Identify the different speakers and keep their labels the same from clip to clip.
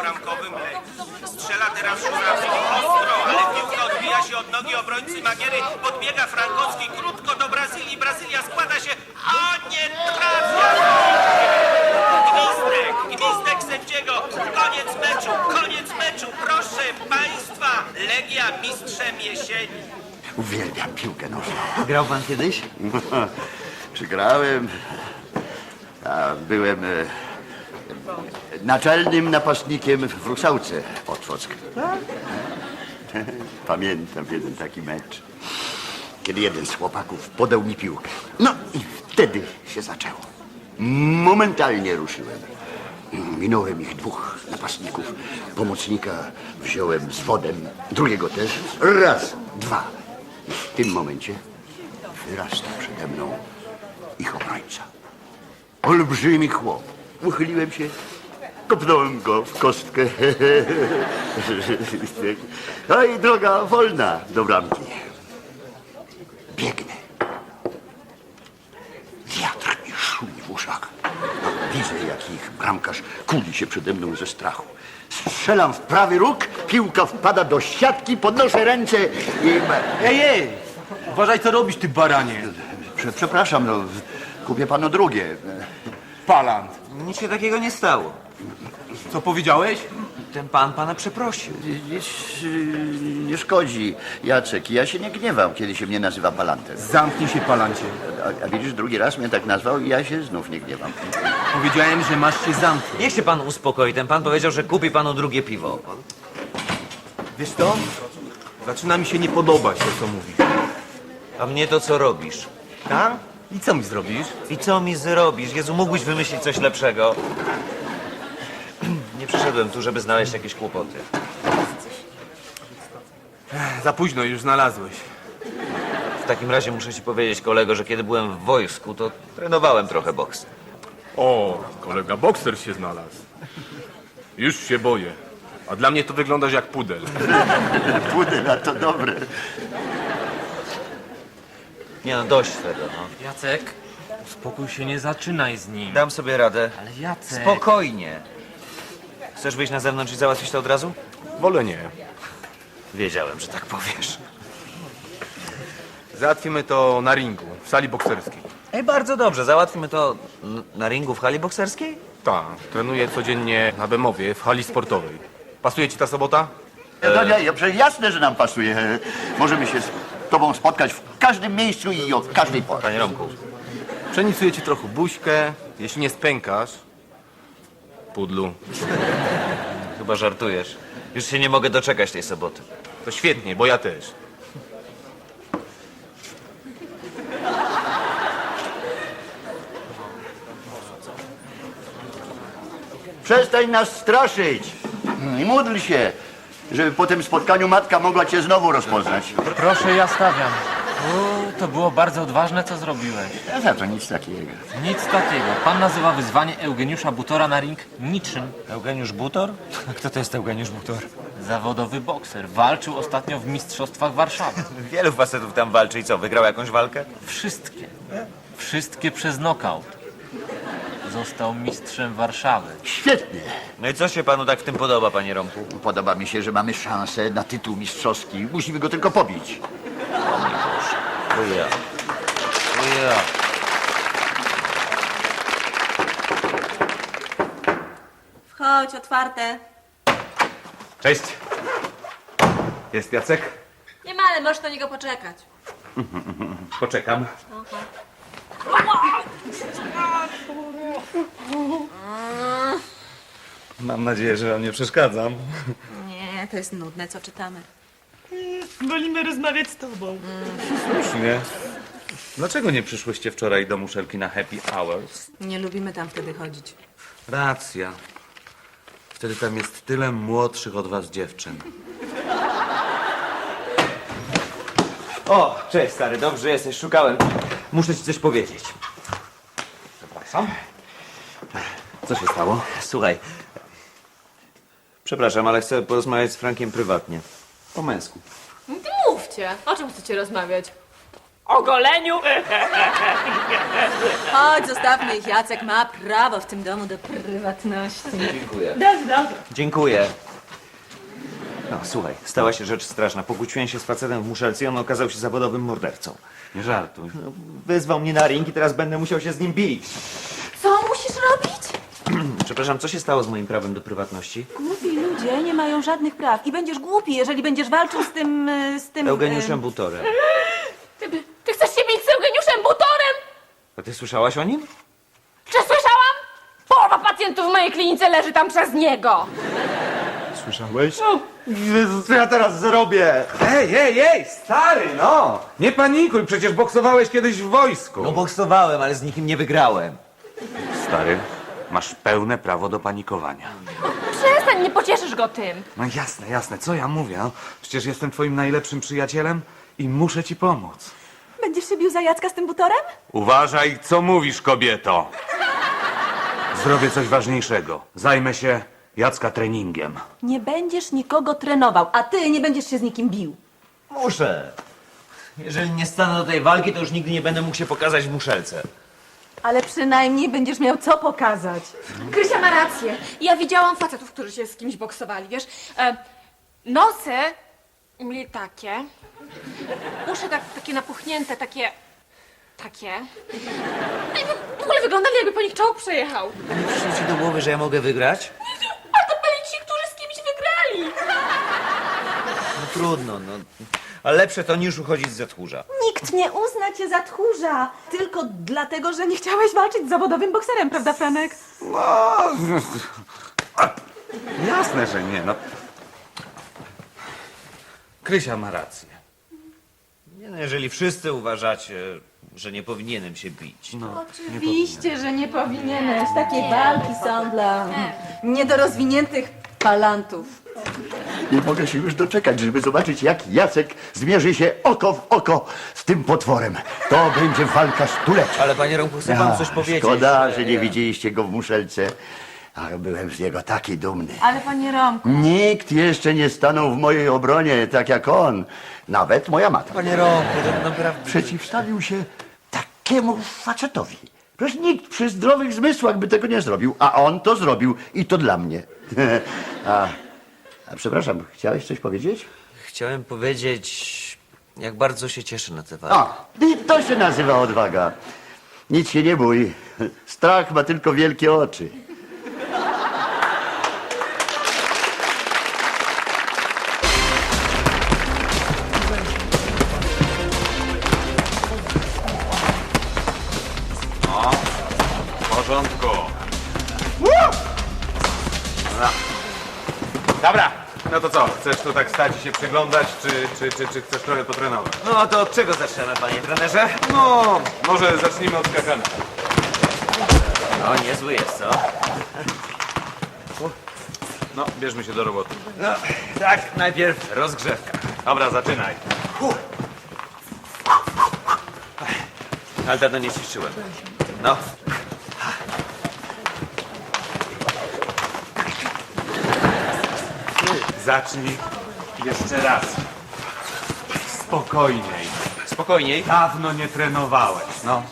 Speaker 1: bramkowym strzela teraz Żurawski ostro, ale piłka odbija się od nogi obrońcy Magiery. Podbiega Frankowski krótko do Brazylii. Brazylia składa się, a nie trafia! Gwizdek sędziego. Koniec meczu. Proszę państwa, Legia mistrzem jesieni.
Speaker 2: Uwielbiam piłkę nożną.
Speaker 3: Grał pan kiedyś?
Speaker 2: Czy grałem? A byłem naczelnym napastnikiem w Rusałce Otwock. Pamiętam jeden taki mecz, kiedy jeden z chłopaków podał mi piłkę. No i wtedy się zaczęło. Momentalnie ruszyłem. Minąłem ich dwóch napastników. Pomocnika wziąłem z wodem, drugiego też. Raz, dwa. I w tym momencie wyrasta przede mną ich obrońca. Olbrzymi chłop. Uchyliłem się, kopnąłem go w kostkę. No i droga wolna do bramki. Biegnę. Wiatr mi szumi w uszach. Widzę, jak ich bramkarz kuli się przede mną ze strachu. Strzelam w prawy róg, piłka wpada do siatki, podnoszę ręce i...
Speaker 4: Ej! Uważaj, co robisz, ty baranie.
Speaker 2: Przepraszam, no, kupię panu drugie.
Speaker 4: Palant.
Speaker 3: Nic się takiego nie stało.
Speaker 4: Co powiedziałeś?
Speaker 3: Ten pan pana przeprosił.
Speaker 2: Nie szkodzi, Jacek. Ja się nie gniewam, kiedy się mnie nazywa Palantem.
Speaker 4: Zamknij się, palancie.
Speaker 2: A widzisz, drugi raz mnie tak nazwał i ja się znów nie gniewam.
Speaker 4: Powiedziałem, że masz się zamknąć.
Speaker 3: Niech się pan uspokoi. Ten pan powiedział, że kupi panu drugie piwo.
Speaker 4: Wiesz co? Zaczyna mi się nie podobać to, co mówisz.
Speaker 3: A mnie to co robisz?
Speaker 4: Tak? I co mi zrobisz?
Speaker 3: I co mi zrobisz? Jezu, mógłbyś wymyślić coś lepszego. Nie przyszedłem tu, żeby znaleźć jakieś kłopoty.
Speaker 4: Za późno już znalazłeś.
Speaker 3: W takim razie muszę ci powiedzieć, kolego, że kiedy byłem w wojsku, to trenowałem trochę boks.
Speaker 4: O, kolega bokser się znalazł. Już się boję. A dla mnie to wyglądasz jak pudel.
Speaker 2: Pudel, a to dobre.
Speaker 3: Nie no, dość tego, no.
Speaker 5: Jacek, spokój się, nie zaczynaj z nim.
Speaker 3: Dam sobie radę.
Speaker 5: Ale Jacek...
Speaker 3: Spokojnie. Chcesz wyjść na zewnątrz i załatwić to od razu?
Speaker 4: Wolę nie.
Speaker 3: Wiedziałem, że tak powiesz.
Speaker 4: Załatwimy to na ringu, w sali bokserskiej.
Speaker 3: Ej, bardzo dobrze. Załatwimy to na ringu w hali bokserskiej?
Speaker 4: Tak, trenuję codziennie na Bemowie, w hali sportowej. Pasuje ci ta sobota?
Speaker 2: No nie, przecież jasne, że nam pasuje. Możemy się z tobą spotkać w każdym miejscu i o każdej porze.
Speaker 3: Panie Romku.
Speaker 4: Przenicuję ci trochę buźkę, jeśli nie spękasz. Pudlu.
Speaker 3: Chyba żartujesz. Już się nie mogę doczekać tej soboty.
Speaker 4: To świetnie, bo ja też.
Speaker 2: Przestań nas straszyć i módl się, żeby po tym spotkaniu matka mogła cię znowu rozpoznać.
Speaker 5: Proszę, ja stawiam. To było bardzo odważne, co zrobiłeś.
Speaker 2: Ja za to nic takiego.
Speaker 5: Nic takiego. Pan nazywa wyzwanie Eugeniusza Butora na ring niczym.
Speaker 3: Eugeniusz Butor? Kto to jest Eugeniusz Butor?
Speaker 5: Zawodowy bokser. Walczył ostatnio w Mistrzostwach Warszawy.
Speaker 3: Wielu facetów tam walczy i co, wygrał jakąś walkę?
Speaker 5: Wszystkie. Wszystkie przez nokaut. Został mistrzem Warszawy.
Speaker 2: Świetnie.
Speaker 3: No i co się panu tak w tym podoba, panie Romku?
Speaker 2: Podoba mi się, że mamy szansę na tytuł mistrzowski. Musimy go tylko pobić.
Speaker 3: To ja. To ja.
Speaker 6: Wchodź, otwarte.
Speaker 4: Cześć. Jest Jacek?
Speaker 6: Nie ma, ale możesz na niego poczekać.
Speaker 4: Poczekam.
Speaker 3: Mam nadzieję, że wam nie przeszkadzam.
Speaker 6: Nie, to jest nudne, co czytamy.
Speaker 5: Wolimy rozmawiać z tobą.
Speaker 3: Słusznie. Dlaczego nie przyszłyście wczoraj do muszelki na happy hours?
Speaker 6: Nie lubimy tam wtedy chodzić.
Speaker 3: Racja. Wtedy tam jest tyle młodszych od was dziewczyn. O, cześć stary, dobrze jesteś, szukałem. Muszę ci coś powiedzieć. Przepraszam. Co się stało? Słuchaj. Przepraszam, ale chcę porozmawiać z Frankiem prywatnie. Po męsku.
Speaker 7: Mówcie, o czym chcecie rozmawiać? ogoleniu.
Speaker 6: Chodź, zostawmy ich. Jacek ma prawo w tym domu do prywatności.
Speaker 3: Dziękuję.
Speaker 7: Dobrze.
Speaker 3: Dziękuję. No, słuchaj, stała się rzecz straszna. Pokłóciłem się z facetem w muszelce i on okazał się zawodowym mordercą.
Speaker 8: Nie żartuj.
Speaker 3: No, wyzwał mnie na ring i teraz będę musiał się z nim bić.
Speaker 6: Co musisz robić?
Speaker 3: Przepraszam, co się stało z moim prawem do prywatności?
Speaker 6: Głupi ludzie nie mają żadnych praw. I będziesz głupi, jeżeli będziesz walczył z tym...
Speaker 3: Eugeniuszem Butorem.
Speaker 7: Ty chcesz się bić z Eugeniuszem Butorem?
Speaker 3: A ty słyszałaś o nim?
Speaker 7: Czy słyszałam? Połowa pacjentów w mojej klinice leży tam przez niego.
Speaker 8: Słyszałeś?
Speaker 3: Jezus, co ja teraz zrobię?
Speaker 8: Ej, stary, no! Nie panikuj, przecież boksowałeś kiedyś w wojsku.
Speaker 3: No boksowałem, ale z nikim nie wygrałem.
Speaker 8: Stary, masz pełne prawo do panikowania.
Speaker 7: Przestań, nie pocieszysz go tym.
Speaker 8: No jasne, co ja mówię? No? Przecież jestem twoim najlepszym przyjacielem i muszę ci pomóc.
Speaker 6: Będziesz się bił za Jacka z tym butorem?
Speaker 8: Uważaj, co mówisz, kobieto. Zrobię coś ważniejszego. Zajmę się Jacka treningiem.
Speaker 6: Nie będziesz nikogo trenował, a ty nie będziesz się z nikim bił.
Speaker 3: Muszę. Jeżeli nie stanę do tej walki, to już nigdy nie będę mógł się pokazać w muszelce.
Speaker 6: Ale przynajmniej będziesz miał co pokazać.
Speaker 7: Krysia ma rację. Ja widziałam facetów, którzy się z kimś boksowali, wiesz. Nosy mieli takie. Uszy takie napuchnięte, takie. No i w ogóle wyglądali, jakby po nich czołg przejechał.
Speaker 3: Nie przyszło ci do głowy, że ja mogę wygrać?
Speaker 7: A to byli ci, którzy z kimś wygrali.
Speaker 3: No trudno, no. Ale lepsze to niż uchodzić z tchórza.
Speaker 6: Nikt nie uzna cię za tchórza. Tylko dlatego, że nie chciałeś walczyć z zawodowym bokserem, prawda, Franek?
Speaker 8: No, jasne, że nie, no. Krysia ma rację.
Speaker 3: Nie, no, jeżeli wszyscy uważacie, że nie powinienem się bić. No.
Speaker 6: Oczywiście, że nie powinieneś. Takie walki są dla niedorozwiniętych palantów.
Speaker 2: Nie mogę się już doczekać, żeby zobaczyć, jak Jacek zmierzy się oko w oko z tym potworem. To będzie walka stulecia.
Speaker 3: Ale panie Romku, chcę wam coś powiedzieć.
Speaker 2: Szkoda, że nie widzieliście go w muszelce. Ale byłem z niego taki dumny.
Speaker 6: Ale panie Romku,
Speaker 2: Nikt jeszcze nie stanął w mojej obronie tak jak on. Nawet moja matka.
Speaker 3: Panie Romku, to naprawdę...
Speaker 2: Przeciwstawił się takiemu facetowi. Przecież nikt przy zdrowych zmysłach by tego nie zrobił, a on to zrobił i to dla mnie. a przepraszam, chciałeś coś powiedzieć?
Speaker 3: Chciałem powiedzieć, jak bardzo się cieszę na tę walkę.
Speaker 2: O, i to się nazywa odwaga. Nic się nie bój. Strach ma tylko wielkie oczy.
Speaker 8: W porządku. Dobra, no to co? Chcesz tu tak stać i się przyglądać, czy chcesz trochę potrenować?
Speaker 3: No to od czego zaczynamy, panie trenerze?
Speaker 8: No, może zacznijmy od skakania.
Speaker 3: No, niezły jest, co?
Speaker 8: No, bierzmy się do roboty.
Speaker 3: No, tak, najpierw rozgrzewka.
Speaker 8: Dobra, zaczynaj.
Speaker 3: Ale dawno nie ćwiczyłem. No.
Speaker 8: Zacznij jeszcze raz. Spokojniej.
Speaker 3: Spokojniej.
Speaker 8: Dawno nie trenowałeś, no.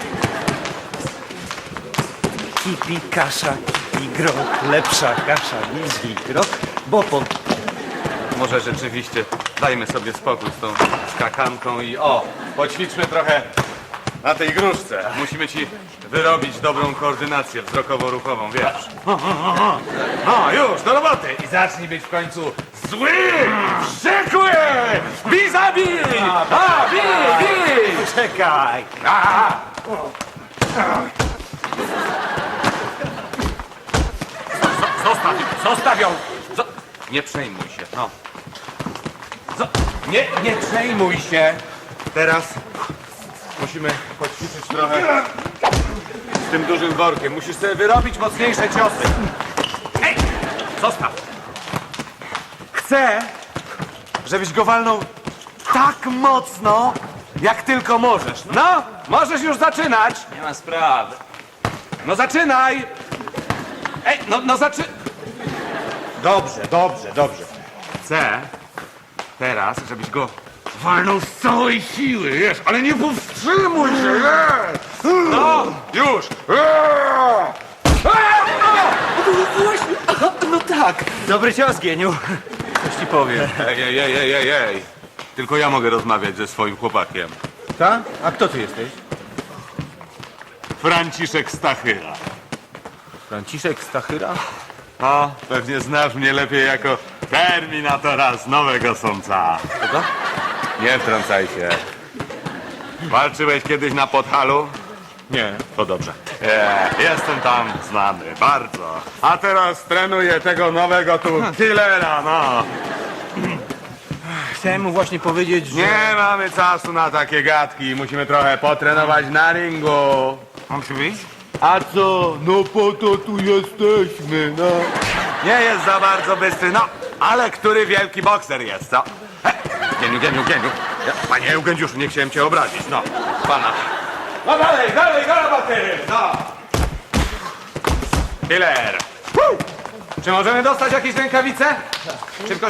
Speaker 3: Kipi, kasza i grok. Lepsza kasza niż grok, bo po...
Speaker 8: Może rzeczywiście dajmy sobie spokój z tą skakanką i poćwiczmy trochę na tej gruszce. Musimy ci wyrobić dobrą koordynację wzrokowo-ruchową, wiesz. No, już, do roboty! I zacznij być w końcu zły, wściekły! Bij, zabij! Bij!
Speaker 3: Czekaj.
Speaker 8: Zostaw ją! Nie przejmuj się, no. Nie przejmuj się! Teraz musimy poćwiczyć trochę z tym dużym workiem. Musisz sobie wyrobić mocniejsze ciosy. Ej! Zostaw! Chcę, żebyś go walnął tak mocno, jak tylko możesz. No, możesz już zaczynać.
Speaker 3: Nie ma sprawy.
Speaker 8: No zaczynaj! Ej, no Dobrze. Chcę teraz, żebyś go Walnął z całej siły, wiesz, ale nie powstrzymuj się, wiesz! No, już!
Speaker 3: No tak, dobry cios, geniu.
Speaker 8: Coś ci powiem. Ej. Tylko ja mogę rozmawiać ze swoim chłopakiem.
Speaker 4: Ta? A kto ty jesteś?
Speaker 8: Franciszek Stachyra.
Speaker 4: Franciszek Stachyra?
Speaker 8: No, pewnie znasz mnie lepiej jako Terminatora z Nowego Sącza.
Speaker 3: Kogo?
Speaker 8: Nie wtrącaj się. Walczyłeś kiedyś na Podhalu?
Speaker 4: Nie.
Speaker 8: To dobrze. Jestem tam znany, bardzo. A teraz trenuję tego nowego tu killera, no.
Speaker 4: Chciałem mu właśnie powiedzieć, że...
Speaker 8: Nie mamy czasu na takie gadki. Musimy trochę potrenować na ringu.
Speaker 4: Mam się wyjść?
Speaker 8: A co? No po to tu jesteśmy, no. Nie jest za bardzo bystry, no. Ale który wielki bokser jest, co? Geniu. Panie Eugeniuszu, nie chciałem cię obrazić, no. Pana. No dalej, do roboty, no. Killer. Czy możemy dostać jakieś rękawice? Szybko.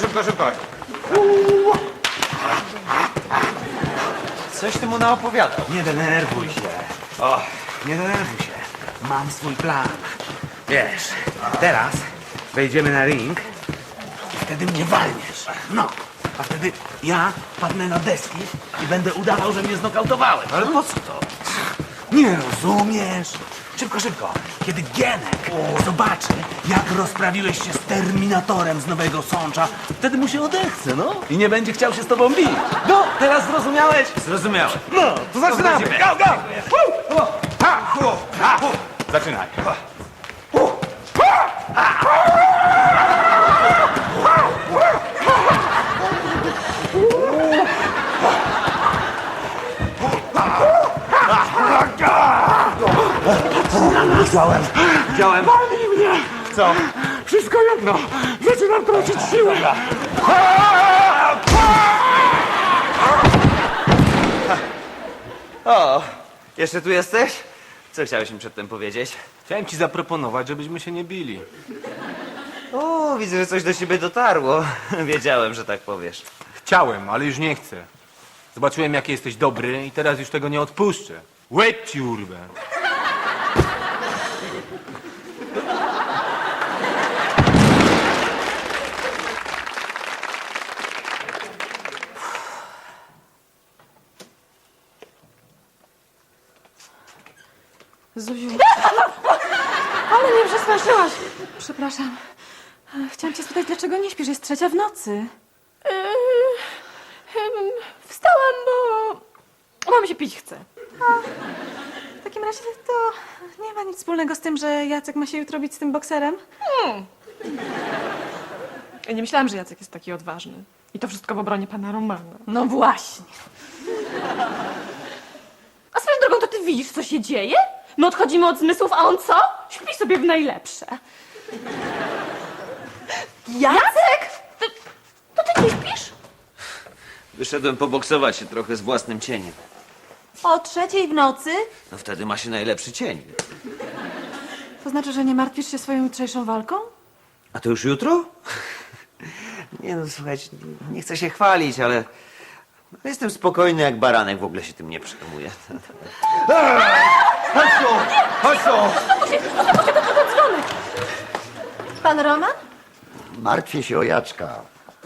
Speaker 3: Coś ty mu naopowiadał. Nie denerwuj się. Nie denerwuj się. Mam swój plan. Wiesz, teraz wejdziemy na ring i wtedy mnie walniesz. No, a wtedy ja padnę na deski i będę udawał, że mnie znokautowałeś. Ale po co to? Nie rozumiesz? Szybko. Kiedy Gienek zobaczy, jak rozprawiłeś się z Terminatorem z Nowego Sącza, wtedy mu się odechce, no. I nie będzie chciał się z tobą bić. No, teraz zrozumiałeś? Zrozumiałem. No, to zaczynamy. Go!
Speaker 8: Zaczynaj.
Speaker 3: Widziałem.
Speaker 8: Bali mnie!
Speaker 3: Co?
Speaker 8: Wszystko jedno! Zaczynam tracić siłę!
Speaker 3: O, jeszcze tu jesteś? Co chciałeś mi przedtem powiedzieć?
Speaker 4: Chciałem ci zaproponować, żebyśmy się nie bili.
Speaker 3: O, widzę, że coś do ciebie dotarło. Wiedziałem, że tak powiesz.
Speaker 4: Chciałem, ale już nie chcę. Zobaczyłem, jaki jesteś dobry i teraz już tego nie odpuszczę. Łeb ci urwę.
Speaker 6: Zuziu. Ale mnie przestraszyłaś. Przepraszam. Chciałam cię spytać, dlaczego nie śpisz? Jest 3:00 w nocy.
Speaker 7: Wstałam, bo mam się pić chce.
Speaker 6: W takim razie to nie ma nic wspólnego z tym, że Jacek ma się jutro bić z tym bokserem.
Speaker 7: Ja nie myślałam, że Jacek jest taki odważny. I to wszystko w obronie pana Romana.
Speaker 6: No właśnie.
Speaker 7: A swoją drogą, to ty widzisz, co się dzieje? My odchodzimy od zmysłów, a on co? Śpi sobie w najlepsze. Jacek! To ty nie śpisz?
Speaker 3: Wyszedłem poboksować się trochę z własnym cieniem.
Speaker 6: O 3:00 w nocy?
Speaker 3: No wtedy ma się najlepszy cień.
Speaker 6: To znaczy, że nie martwisz się swoją jutrzejszą walką?
Speaker 3: A to już jutro? Nie no, słuchajcie, nie chcę się chwalić, ale jestem spokojny jak baranek, w ogóle się tym nie przejmuję.
Speaker 2: Chodź tu!
Speaker 7: Dzwonek!
Speaker 6: Pan Roman?
Speaker 2: Martwię się o Jacka.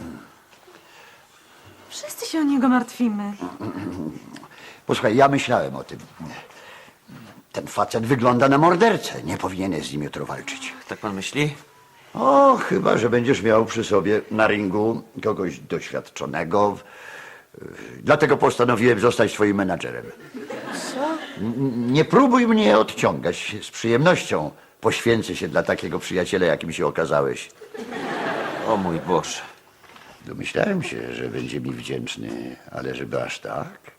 Speaker 6: Wszyscy się o niego martwimy.
Speaker 2: Posłuchaj, ja myślałem o tym. Ten facet wygląda na mordercę. Nie powinieneś z nim jutro walczyć.
Speaker 3: Tak pan myśli?
Speaker 2: O, chyba, że będziesz miał przy sobie na ringu kogoś doświadczonego. Dlatego postanowiłem zostać twoim menadżerem.
Speaker 6: Co?
Speaker 2: Nie próbuj mnie odciągać. Z przyjemnością poświęcę się dla takiego przyjaciela, jakim się okazałeś.
Speaker 3: O mój Boże.
Speaker 2: Domyślałem się, że będzie mi wdzięczny, ale żeby aż tak?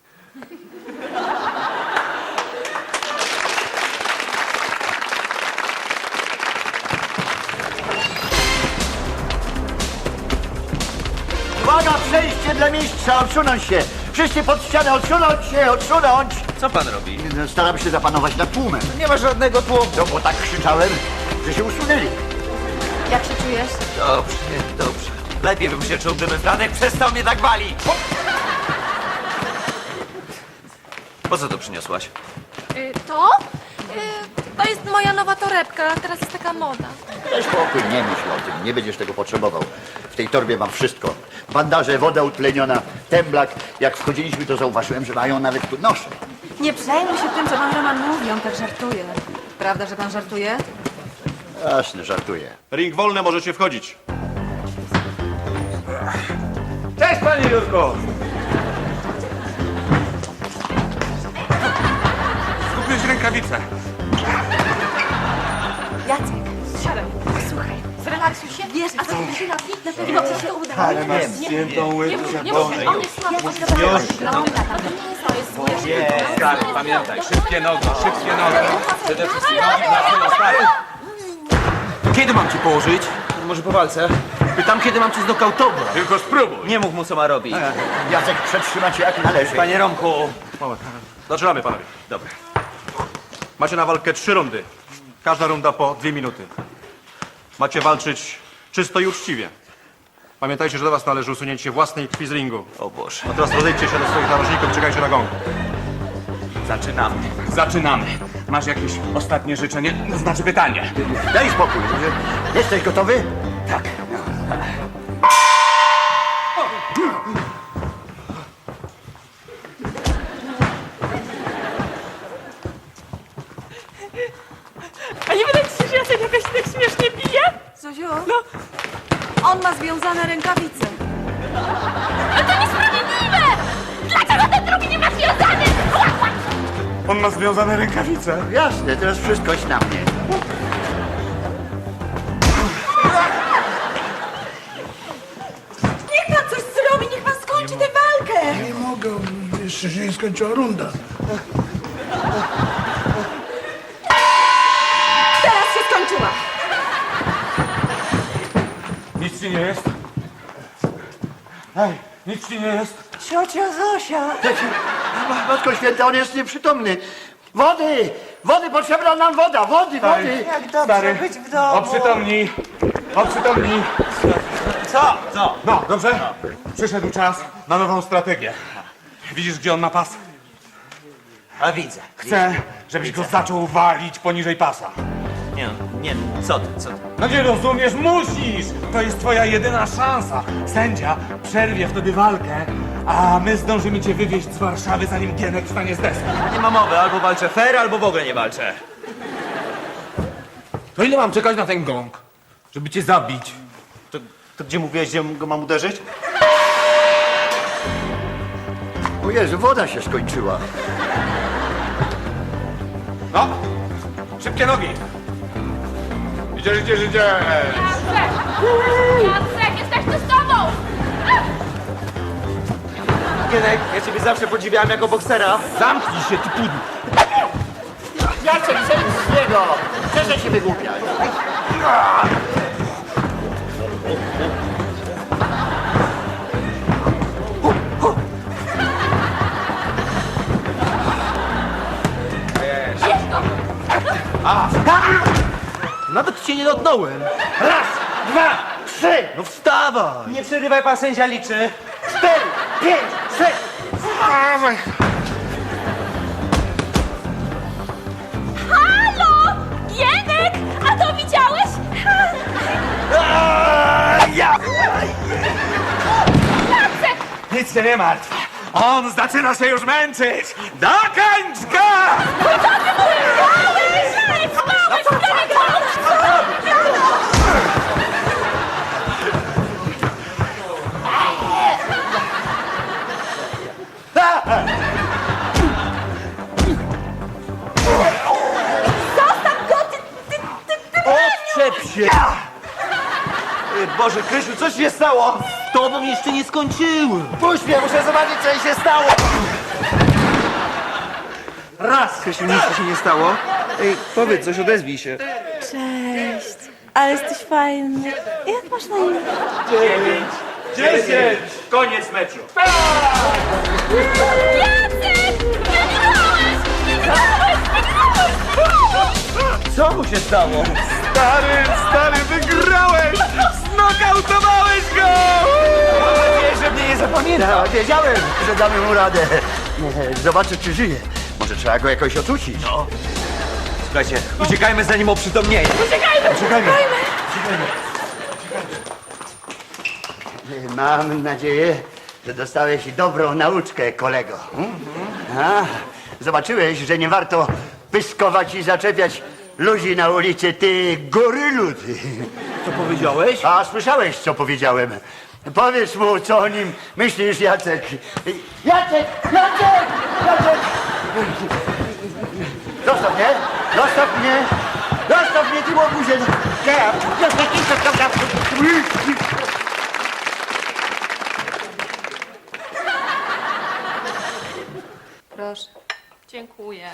Speaker 2: Uwaga, przejście dla mistrza, odsunąć się! Wszyscy pod ścianę, odsunąć się, odsunąć!
Speaker 3: Co pan robi?
Speaker 2: Staram się zapanować nad tłumem.
Speaker 3: Nie ma żadnego tłumu.
Speaker 2: No bo tak krzyczałem, że się usunęli.
Speaker 6: Jak się czujesz?
Speaker 3: Dobrze. Lepiej bym się czuł, gdyby Franek przestał mnie tak walić.
Speaker 9: Po co to przyniosłaś?
Speaker 7: To? To jest moja nowa torebka, teraz jest taka moda.
Speaker 2: Daj spokój, nie myśl o tym, nie będziesz tego potrzebował. W tej torbie mam wszystko. Bandaże, woda utleniona, temblak. Jak wchodziliśmy, to zauważyłem, że mają nawet tu nosze.
Speaker 6: Nie przejmuj się tym, co pan Roman mówi, on tak żartuje. Prawda, że pan żartuje?
Speaker 2: Jasne, żartuję.
Speaker 10: Ring wolny, możecie wchodzić.
Speaker 3: Cześć, panie Jurko!
Speaker 8: Kupiłeś rękawice.
Speaker 6: Jacek,
Speaker 7: Siadaj, słuchaj, zrelaksuj się.
Speaker 6: wiesz, a co ty na pewno ci się uda.
Speaker 8: Ale masz świętą łydkę,
Speaker 7: Nie mów, on jest słabo, on jest
Speaker 8: Stary, pamiętaj, szybkie nogi. Przede wszystkim nogi dla tyłu, stary.
Speaker 9: Kiedy mam cię położyć? Może po walce? Pytam, kiedy mam cię znokautować.
Speaker 8: Tylko spróbuj.
Speaker 9: Nie mów mu, co ma robić.
Speaker 2: Jacek, przetrzyma cię jak należy.
Speaker 9: Panie Romku.
Speaker 10: Zaczynamy, panowie.
Speaker 9: Dobra.
Speaker 10: Macie na walkę 3 rundy. Każda runda po 2 minuty. Macie walczyć czysto i uczciwie. Pamiętajcie, że do was należy usunięcie własnej krwi z ringu.
Speaker 9: O Boże.
Speaker 10: A teraz rozejdźcie się do swoich narożników i czekajcie na gong.
Speaker 8: Zaczynamy. Masz jakieś ostatnie życzenie? Znaczy pytanie.
Speaker 2: Daj spokój. Jesteś gotowy?
Speaker 9: Tak.
Speaker 7: A nie wydaje ci się, że ja sobie jakoś tak śmiesznie biję?
Speaker 6: Zuziu, on ma związane rękawice.
Speaker 7: Ale to niesprawiedliwe! Dlaczego ten drugi nie ma związany?
Speaker 8: On ma związane rękawice.
Speaker 2: Jasne, teraz wszystko jest na mnie.
Speaker 6: Niech pan coś zrobi, niech pan skończy tę walkę.
Speaker 11: Nie mogę, jeszcze się nie skończyła runda.
Speaker 6: Teraz się skończyła.
Speaker 8: Nic ci nie jest? Ej, nic ci nie jest?
Speaker 6: Ciocia Zosia.
Speaker 2: Matko Święta, on jest nieprzytomny. Wody! Wody, potrzebna nam woda! Wody!
Speaker 6: Jak dobrze być w domu.
Speaker 8: Oprzytomnij.
Speaker 9: Co? Co?
Speaker 8: No, dobrze? Przyszedł czas na nową strategię. Widzisz, gdzie on ma pas?
Speaker 9: A widzę.
Speaker 8: Chcę, żebyś go zaczął walić poniżej pasa.
Speaker 9: Nie, co ty?
Speaker 8: No nie rozumiesz, musisz! To jest twoja jedyna szansa. Sędzia przerwie wtedy walkę, a my zdążymy cię wywieźć z Warszawy, zanim Gienek wstanie z desek.
Speaker 9: Nie ma mowy, albo walczę fair, albo w ogóle nie walczę.
Speaker 3: To ile mam czekać na ten gong, żeby cię zabić?
Speaker 10: To gdzie mówiłeś, gdzie go mam uderzyć?
Speaker 2: O Jezu, woda się skończyła.
Speaker 8: No, szybkie nogi. Idziesz.
Speaker 7: Jacek, jesteśmy z tobą!
Speaker 9: Gienek, ja ciebie zawsze podziwiałem jako boksera.
Speaker 3: Zamknij się, ty pudł!
Speaker 2: Jacek, zejdź z niego! Przestań się wygłupiać.
Speaker 3: Nawet cię nie dotknąłem!
Speaker 9: Raz, dwa, trzy.
Speaker 3: No wstawaj!
Speaker 9: Nie przerywaj, pan sędzia liczy. 4, 5, 6.
Speaker 7: Halo! Gienek! A to widziałeś? Jacek!
Speaker 8: Nic się nie martw. On zaczyna się już męczyć. Dokończ go!
Speaker 3: Odczep się!
Speaker 9: Boże, Krysiu, coś się stało?
Speaker 3: Z tobą jeszcze nie skończyłem!
Speaker 9: Puść mnie, muszę zobaczyć, co jej się stało.
Speaker 3: Raz! Krysiu, nic ci się nie stało? Ej, powiedz coś, odezwij się.
Speaker 6: Cześć, ale jesteś fajny. Jak masz na imię?
Speaker 8: 10. Koniec meczu.
Speaker 7: Jacek! Wygrałeś!
Speaker 9: Co mu się stało?
Speaker 8: Stary, wygrałeś! Znokautowałeś go!
Speaker 9: Mam nadzieję, że mnie nie zapamiętał.
Speaker 2: Wiedziałem, że damy mu radę. Zobaczę, czy żyje. Może trzeba go jakoś ocucić. No.
Speaker 3: Słuchajcie, uciekajmy zanim oprzytomnieje.
Speaker 2: Uciekajmy. Mam nadzieję, że dostałeś dobrą nauczkę, kolego. A, zobaczyłeś, że nie warto pyskować i zaczepiać ludzi na ulicy, ty gorylu, ty.
Speaker 9: Co powiedziałeś?
Speaker 2: A słyszałeś, co powiedziałem. Powiedz mu, co o nim myślisz, Jacek. Jacek! Zostaw mnie! Zostaw mnie! Zostaw mnie, ty łobuzie!
Speaker 7: Proszę. Dziękuję.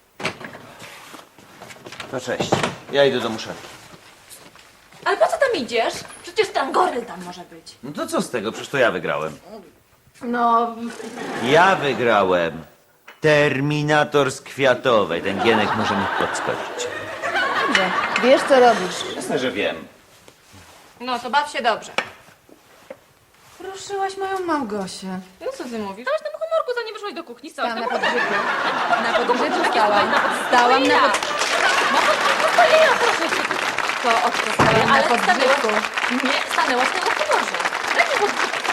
Speaker 9: No cześć. Ja idę do muszeli.
Speaker 7: Ale po co tam idziesz? Przecież tam goryl tam może być.
Speaker 9: No to co z tego? Przecież to ja wygrałem.
Speaker 6: No,
Speaker 9: Ja wygrałem. Terminator z Kwiatowej. Ten Gienek może mi podskoczyć.
Speaker 6: dobrze. Wiesz, co robisz.
Speaker 9: Jasne, że wiem.
Speaker 7: No to baw się dobrze.
Speaker 6: Ruszyłaś moją Małgosię.
Speaker 7: No co ty mówisz? Dałaś tam humorku, zanim wyszłaś do kuchni. Co?
Speaker 6: Stałam na podbrzeżu. Na podbrzeżu stałam. Stałam na
Speaker 7: Ja proszę cię. To od co stałam
Speaker 6: na
Speaker 7: ale
Speaker 6: podbrzeżu.
Speaker 7: Nie, stanęłaś na humorze. Lepiej, bo